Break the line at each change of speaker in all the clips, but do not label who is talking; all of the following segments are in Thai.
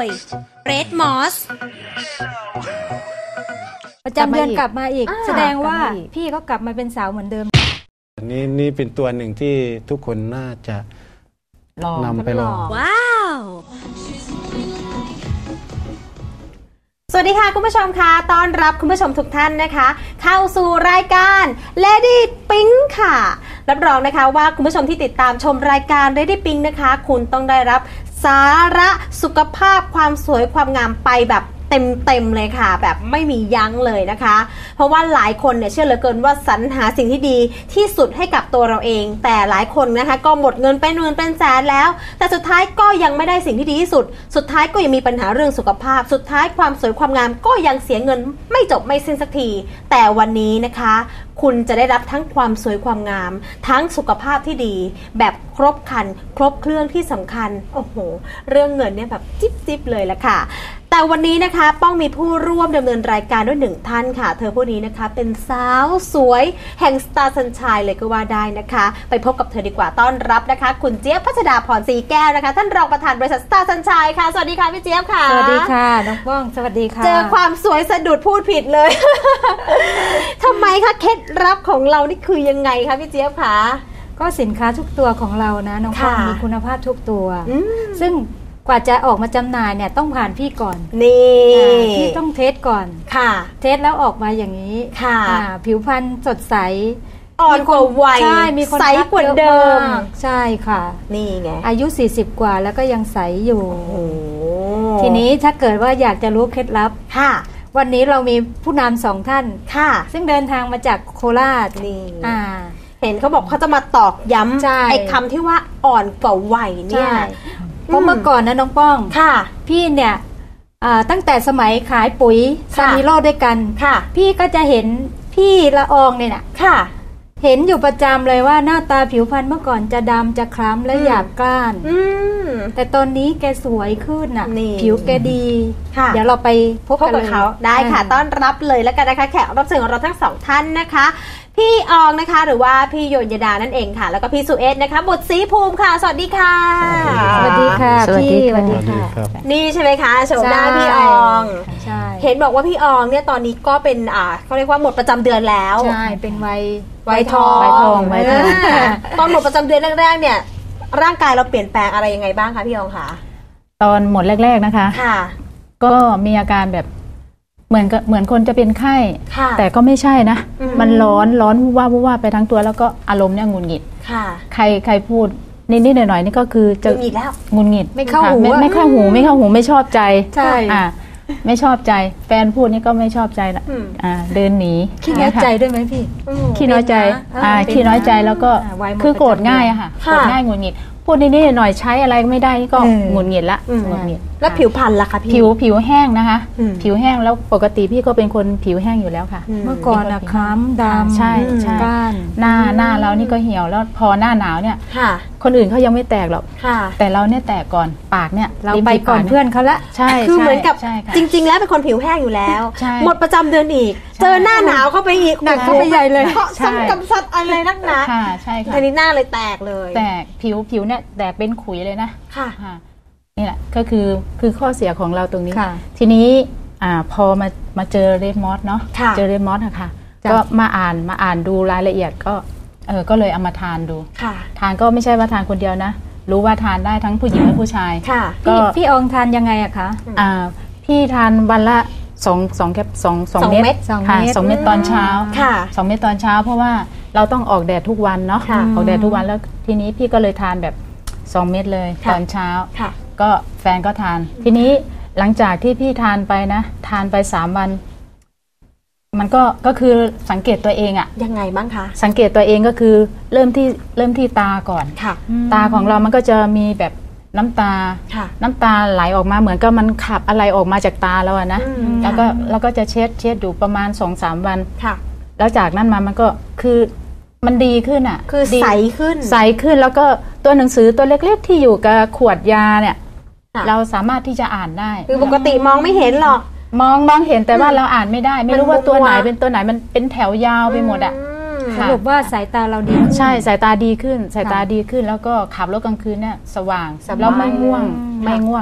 ย Red Moss
ประจำเดือนกลับมาอีกแสดงว่าพี่ก็กลับมาเป็นสาวเหมือนเดิม
นี่เป็นตัวหนึ่งที่ทุกคนน่าจะนำไปลอง
ว้าวสวัสดีค่ะคุณผู้ชมค่ะต้อนรับคุณผู้ชมทุกท่านนะคะเข้าสู่รายการ Lady Pink ค่ะรับรองนะคะว่าคุณผู้ชมที่ติดตามชมรายการ Lady Pink นะคะคุณต้องได้รับสาระสุขภาพความสวยความงามไปแบบเต็มเลยค่ะแบบไม่มียั้งเลยนะคะเพราะว่าหลายคนเนี่ยเชื่อเหลือเกินว่าสรรหาสิ่งที่ดีที่สุดให้กับตัวเราเองแต่หลายคนนะคะก็หมดเงินเป็นหมื่นเป็นแสนแล้วแต่สุดท้ายก็ยังไม่ได้สิ่งที่ดีที่สุดสุดท้ายก็ยังมีปัญหาเรื่องสุขภาพสุดท้ายความสวยความงามก็ยังเสียเงินไม่จบไม่สิ้นสักทีแต่วันนี้นะคะคุณจะได้รับทั้งความสวยความงามทั้งสุขภาพที่ดีแบบครบครันครบเครื่องที่สำคัญโอ้โหเรื่องเงินเนี่ยแบบจิ๊บเลยละค่ะแต่วันนี้นะคะป้องมีผู้ร่วมดำเนินรายการด้วยหนึ่งท่านค่ะเธอผู้นี้นะคะเป็นสาวสวยแห่งสตาร์สัญชัยเลยก็ว่าได้นะคะไปพบกับเธอดีกว่าต้อนรับนะคะคุณเจี๊ยบพัชดาพรศรีแก้วนะคะท่านรองประธานบริษัทสตาร์สัญชัยค่ะสวัสดีค่ะพี่เจี๊ยบค่ะ
สวัสดีค่ะน้องป้องสวัสดีค่ะ
เจอความสวยสะดุดพูดผิดเลย ทำไมคะเคล็ดลับของเรานี่คือยังไงคะพี่เจี๊ยบคะ
ก็สินค้าทุกตัวของเรานะน้องป้องมีคุณภาพทุกตัวซึ่งกว่าจะออกมาจำหน่ายเนี่ยต้องผ่านพี่ก่อน
นี่
พี่ต้องเทสก่อน
ค่ะ
เทสแล้วออกมาอย่างนี้
ค่ะ
ผิวพรรณสดใส
อ่อนกว่าวัย
ใช่มีคน
ใสกว่าเดิม
ใช่ค่ะ
นี่ไง
อายุ40กว่าแล้วก็ยังใสอยู่ทีนี้ถ้าเกิดว่าอยากจะรู้เคล็ดลับ
ค่ะ
วันนี้เรามีผู้นำ2ท่าน
ค่ะ
ซึ่งเดินทางมาจากโคราช
นี่เห็นเขาบอกเขาจะมาตอกย้ำไอ้คำที่ว่าอ่อนกว่าวัยเนี่ย
เพราะเมื่อก่อนนะน้องป้อง
ค่ะ
พี่เนี่ยตั้งแต่สมัยขายปุ๋ยซามิโร่ด้วยกัน
ค่ะ
พี่ก็จะเห็นพี่ละอองเนี่ยนะ
ค่ะ
เห็นอยู่ประจำเลยว่าหน้าตาผิวพรรณเมื่อก่อนจะดำจะคล้ำและหยาบกร้านแต่ตอนนี้แกสวยขึ้นน่ะผิวแกดีเดี๋ยวเราไปพบกับเขา
ได้ค่ะต้อนรับเลยแล้วกันนะคะแขกรับเชิญของเราทั้ง2ท่านนะคะพี่อองนะคะหรือว่าพี่โยนยดานั่นเองค่ะแล้วก็พี่สุเอสนะคะบุตรศรีภูมิค่ะสวัสดีค่ะ
สวัสดีค่ะพี่สวัสดีค่ะ
นี่ใช่ไหมคะโฉมหน้าพี่ออง
ใช่
เห็นบอกว่าพี่อองเนี่ยตอนนี้ก็เป็นเขาเรียกว่าหมดประจำเดือนแล้ว
ใช่เป็น
วัยทองตอนหมดประจำเดือนแรกๆเนี่ยร่างกายเราเปลี่ยนแปลงอะไรยังไงบ้างคะพี่อองคะ
ตอนหมดแรกๆนะคะ
ค่ะ
ก็มีอาการแบบเหมือนคนจะเป็นไข้แต่ก็ไม่ใช่นะมันร้อนว่าไปทั้งตัวแล้วก็อารมณ์เนี่ยงุนหงิดใครพูดนิดๆหน่อยๆนี่ก็คือจะงุนหงิด
ไม่เข้าหู
ไม่เข้าหูไม่ชอบใจ
ใช่
ไม่ชอบใจแฟนพูดนี่ก็ไม่ชอบใจละเดินหนี
ขี้น้อยใจด้วยไหมพี่
ขี้น้อยใจขี้น้อยใจแล้วก็คือโกรธง่ายอะค่ะโกรธง่ายงุนหงิดพูดนิดๆหน่อยใช้อะไรไม่ได้ก็หงุดหงิดละหงุดหงิด
แล้วผิวพรรณล่ะคะพี่
ผิวแห้งนะคะผิวแห้งแล้วปกติพี่ก็เป็นคนผิวแห้งอยู่แล้วค่ะ
เมื่อก่อนอะคล้ำดำ
ใช่
ก้าน
หน้าเรานี่ก็เหี่ยวแล้วพอหน้าหนาวเนี่ยคนอื่นเขายังไม่แตกหรอกแต่เราเนี่ยแตกก่อนปากเนี่ย
เราไปก่อนเพื่อนเขาละ
ใช่
คือเหมือนกับจริงๆแล้วเป็นคนผิวแห้งอยู่แล้วหมดประจำเดือนอีกเจอหน้าหนาวเข้าไปอีก
หนักเข้าไปใหญ่เลย
เพราะซ้ำกับซัดอะไรนักหนา
ใช่ค่ะ
ทีนี้หน้าเลยแตกเลย
แตกผิวเนี่ยแตกเป็นขุยเลยนะ
ค่ะ
นี่แหละก็คือข้อเสียของเราตรงนี้ทีนี้พอมาเจอเรดมอสเนาะเจอเรดมอสค่ะก็มาอ่านดูรายละเอียดก็เลยเอามาทานดูทานก็ไม่ใช่ว่าทานคนเดียวนะรู้ว่าทานได้ทั้งผู้หญิงและผู้ชาย
ก็พี่อองทานยังไงอะคะ
พี่ทานวันละ2เม็ดค่ะ2เม็ดตอนเช้า2เม็ดตอนเช้าเพราะว่าเราต้องออกแดดทุกวันเนาะออกแดดทุกวันแล้วทีนี้พี่ก็เลยทานแบบ2เม็ดเลยตอนเช้าก็แฟนก็ทานทีนี้หลังจากที่พี่ทานไปนะทานไป3วันมันก็คือสังเกตตัวเองอะ
ยังไงบ้างคะ
สังเกตตัวเองก็คือเริ่มที่ตาก่อนตาของเรามันก็จะมีแบบน้ำตาไหลออกมาเหมือนกับมันขับอะไรออกมาจากตาแล้วนะแล้วก็จะเช็ดอยู่ประมาณ 2-3 วันแล้วจากนั้นมามันก็คือมันดีขึ้นอ่ะ
คือใส
ขึ้นแล้วก็ตัวหนังสือตัวเล็กๆที่อยู่กับขวดยาเนี่ยเราสามารถที่จะอ่านได้
คือปกติมองไม่เห็นหรอก
มองเห็นแต่ว่าเราอ่านไม่ได้ไม่รู้ว่าตัวไหนเป็นตัวไหนมันเป็นแถวยาวไปหมดอ่ะ
สรุปว่าสายตาเราดี
ใช่สายตาดีขึ้นแล้วก็ขับรถกลางคืนเนี่ยสว่างแล้วไม่ง่วงนะ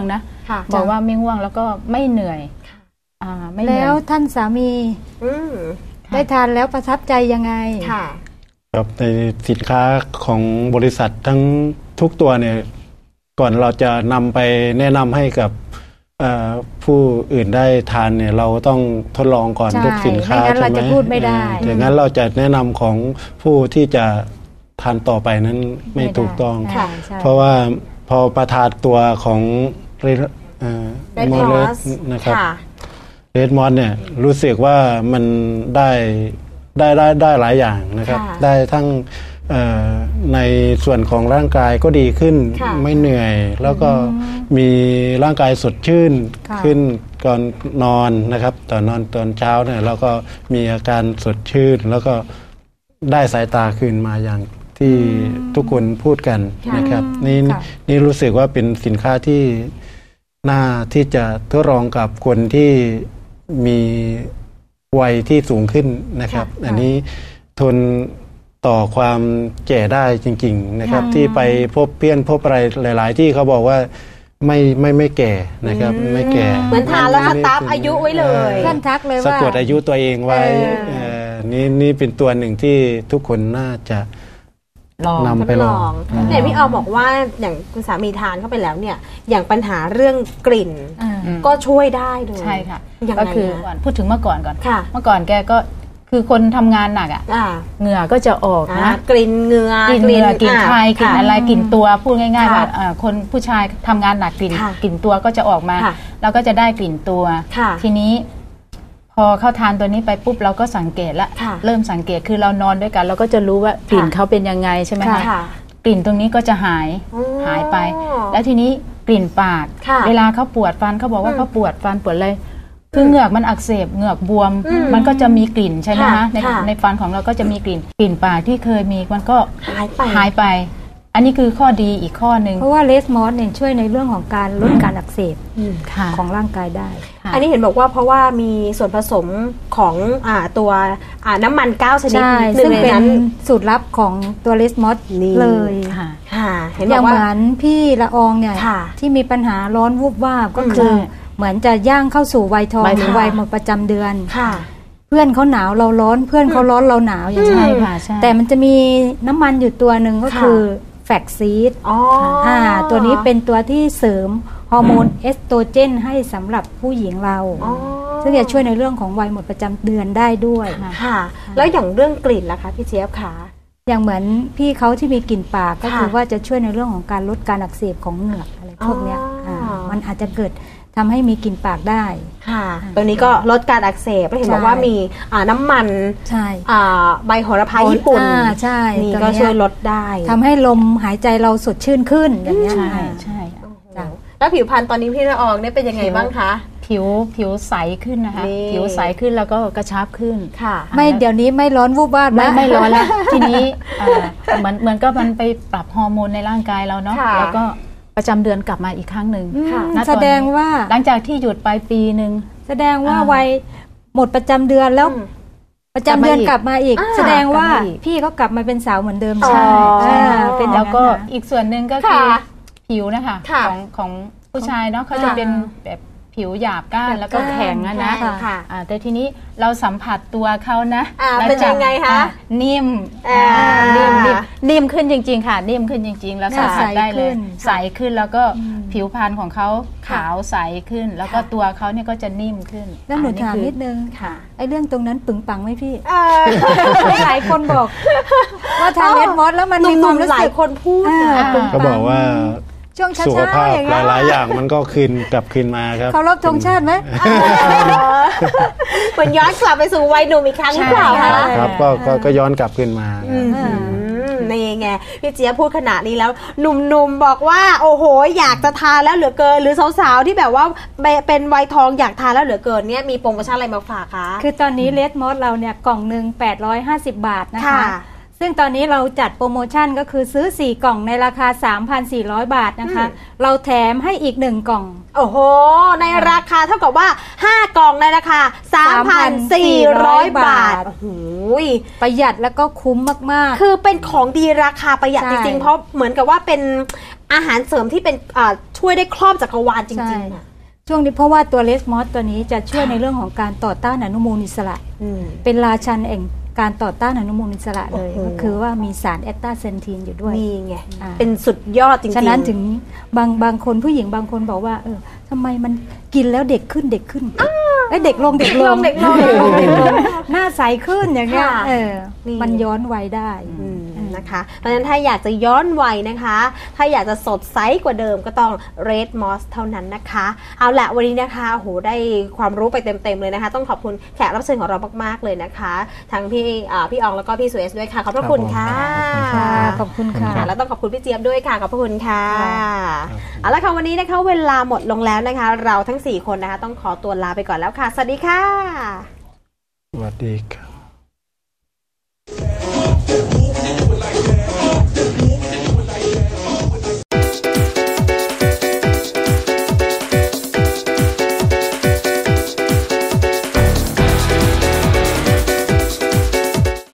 บอกว่าไม่ง่วงแล้วก็ไม่เหนื่อยไม่เหนื่อย
แล้วท่านสามีได้ทานแล้วประทับใจยังไง
ครับในสินค้าของบริษัททั้งทุกตัวเนี่ยก่อนเราจะนำไปแนะนำให้กับผู้อื่นได้ทานเนี่ยเราต้องทดลองก่อนทุกสินค้าใช่ไหม
เราจะพูดไม่ได้
อย่างนั้นเราจะแนะนำของผู้ที่จะทานต่อไปนั้นไม่ถูกต้องเพราะว่าพอประทานตัวของ
โมเลส
นะครับเรดมอสเนี่ยรู้สึกว่ามันได้หลายอย่างนะครับได้ทั้งในส่วนของร่างกายก็ดีขึ้นไม่เหนื่อยแล้วก็มีร่างกายสดชื่นขึ้นก่อนนอนนะครับตอนเช้าเนี่ยแล้วก็มีอาการสดชื่นแล้วก็ได้สายตาคืนมาอย่างที่ทุกคนพูดกันนะครับนี่รู้สึกว่าเป็นสินค้าที่น่าที่จะทดลองกับคนที่มีวัยที่สูงขึ้นนะครับอันนี้ทนต่อความแก่ได้จริงๆนะครับที่ไปพบเพื่อนพบอะไรหลายๆที่เขาบอกว่าไม่แก่นะครับไม่แก่
เหมือนทานแล้วสตาร์ฟอายุไว้เลย
ท่านทักเลยว่า
สะกดอายุตัวเองไว้นี่เป็นตัวหนึ่งที่ทุกคนน่าจะนำไปลอง
เนี่ยพี่ออบอกว่าอย่างคุณสามีทานเข้าไปแล้วเนี่ยอย่างปัญหาเรื่องกลิ่นก็ช่วยได้ด้วย
ใช่ค่ะก็คือพูดถึงเมื่อก่อนเมื่อก่อนแกก็คือคนทำงานหนักเหงื่อก็จะออกนะ
กลิ่นเหงื่อก
ลิ่นไข่กลิ่นอะไรกลิ่นตัวพูดง่ายๆว่าคนผู้ชายทำงานหนักกลิ่นตัวก็จะออกมาแล้วก็จะได้กลิ่นตัวทีนี้พอเข้าทานตัวนี้ไปปุ๊บเราก็สังเกตละเริ่มสังเกตคือเรานอนด้วยกันเราก็จะรู้ว่ากลิ่นเขาเป็นยังไงใช่ไหมคะกลิ่นตรงนี้ก็จะหายไปแล้วทีนี้กลิ่นปากเวลาเขาปวดฟันเขาบอกว่าเขาปวดฟันปวดเลยคือเหงือกมันอักเสบเหงือกบวมมันก็จะมีกลิ่นใช่ไหมคะในฟันของเราก็จะมีกลิ่นปากที่เคยมีมันก็หายไปอันนี้คือข้อดีอีกข้อหนึ่ง
เพราะว่าเลสมอสเนี่ยช่วยในเรื่องของการลดการอักเสบของร่างกายได้
อันนี้เห็นบอกว่าเพราะว่ามีส่วนผสมของตัวน้ำมัน9ชนิด
ซึ่งเป็นสูตรลับของตัวเลสมอสเลยอย่างเหมือนพี่ละอองเนี่ยที่มีปัญหาร้อนวูบวาบก็คือเหมือนจะย่างเข้าสู่วัยทองหรือวัยหมดประจำเดือนเพื่อนเขาหนาวเราร้อนเพื่อนเขาร้อนเราหนาวอย่างนี้แต่มันจะมีน้ำมันอยู่ตัวหนึ่งก็คือแฟกซีดตัวนี้เป็นตัวที่เสริมฮอร์โมนเอสโตรเจนให้สำหรับผู้หญิงเราซึ่งจะช่วยในเรื่องของวัยหมดประจำเดือนได้ด้วย
ค่ะแล้วอย่างเรื่องกลิ่นล่ะคะพี่เจี๊ยบคะ
อย่างเหมือนพี่เขาที่มีกลิ่นปากก็คือว่าจะช่วยในเรื่องของการลดการอักเสบของเหงือกอะไรพวกนี้มันอาจจะเกิดทำให้มีกลิ่นปากได้
ค่ะตัวนี้ก็ลดการอักเสบแล้วเห็นบอกว่ามีน้ำมันใบโหระพาญี่ปุ่น
ใช่
นี่ก็ช่วยลดได้
ทำให้ลมหายใจเราสดชื่นขึ้นอย่างนี้
ใช่
แล้วผิวพรรณตอนนี้พี่ละอองเนี่ยเป็นยังไงบ้างคะ
ผิวใสขึ้นนะคะผิวใสขึ้นแล้วก็กระชับขึ้น
ค่ะ
ไม่เดี๋ยวนี้ไม่ร้อนวูบวาบ
ไม่ร้อนแล้วทีนี้เหมือนก็มันไปปรับฮอร์โมนในร่างกายเราเนาะแล้วก็ประจำเดือนกลับมาอีกครั้งหนึ่ง
แสดงว่า
หลังจากที่หยุดไปปีหนึ่ง
แสดงว่าวัยหมดประจำเดือนแล้วประจำเดือนกลับมาอีกแสดงว่าพี่ก็กลับมาเป็นสาวเหมือนเดิม
ใช่เป็นแล้วก็อีกส่วนหนึ่งก็คือผิวนะคะของผู้ชายเนาะเขาจะเป็นแบบผิวหยาบก้านแล้วก็แข็งนะแต่ทีนี้เราสัมผัสตัวเขานะ
เป็นยังไงคะ
นิ่มขึ้นจริงๆค่ะนิ่มขึ้นจริงๆแล้วสัมผัสได้เลยใสขึ้นแล้วก็ผิวพรรณของเขาขาวใสขึ้นแล้วก็ตัวเขาเนี่ยก็จะนิ่มขึ้น
แล้วหนูถามนิดนึงไอ้เรื่องตรงนั้นปึงปังไหมพี่หลายคนบอกว่าทานเลดมอสแล้วมันมีความรู้สึก
คนพูด
เขาบอกว่าสุขภาพหลายๆอย่างมันก็กลับคืนมาครับ
เคารพธงชาติไหม
เหมือนย้อนกลับไปสู่วัยหนุ่มอีกครั้งหรือเปล่าคะ
ครับก็ย้อนกลับคืนมา
นี่ไงพี่เจี๊ยบพูดขนาดนี้แล้วหนุ่มๆบอกว่าโอ้โหอยากจะทานแล้วเหลือเกินหรือสาวๆที่แบบว่าเป็นวัยทองอยากทานแล้วเหลือเกินเนี่ยมีโปรโมชั่นอะไรมาฝากคะ
คือตอนนี้เลดมอสเราเนี่ยกล่องหนึ่ง850 บาทนะคะซซึ่งตอนนี้เราจัดโปรโมชั่นก็คือซื้อ4กล่องในราคา 3,400 บาทนะคะเราแถมให้อีก1กล่อง
โอ้โหในราคาเท่ากับว่า5กล่องในราคา 3,400 บาทโอ้โห
ประหยัดแล้วก็คุ้มมาก
ๆคือเป็นของดีราคาประหยัดจริงๆเพราะเหมือนกับว่าเป็นอาหารเสริมที่เป็นช่วยได้ครอบจักรวาลจริงๆ
ช่วงนี้เพราะว่าตัวเลสมอสตัวนี้จะช่วยในเรื่องของการต่อต้านอนุมูลอิสระเป็นราชันแห่งการต่อต้านอนุมูลอิสระเลยก็คือว่ามีสารแอตตาเซนทีนอยู่ด้วย
นี่ไงเป็นสุดยอดจริงๆ
ฉะนั้นถึงบางคนผู้หญิงบางคนบอกว่าทำไมมันกินแล้วเด็กขึ้นเด็กลงหน้าใสขึ้นอย่างเงี้ยมันย้อนวัยได้
นะคะเพราะฉะนั้นถ้าอยากจะย้อนวัยนะคะถ้าอยากจะสดใสกว่าเดิมก็ต้อง Red Moss เท่านั้นนะคะเอาละวันนี้นะคะโหได้ความรู้ไปเต็มๆเลยนะคะต้องขอบคุณแขกรับเชิญของเรามากๆเลยนะคะทั้งพี่อองแล้วก็พี่สุเอสด้วยค่ะขอบพระคุณค่ะ
ขอบคุณค่ะ
แล้วต้องขอบคุณพี่เจี๊ยบด้วยค่ะขอบพระคุณค่ะเอาละค่ะวันนี้นะคะเวลาหมดลงแล้วนะคะเราทั้ง4คนนะคะต้องขอตัวลาไปก่อนแล้วค่ะสวัสดีค่ะ
สวัสดีครับ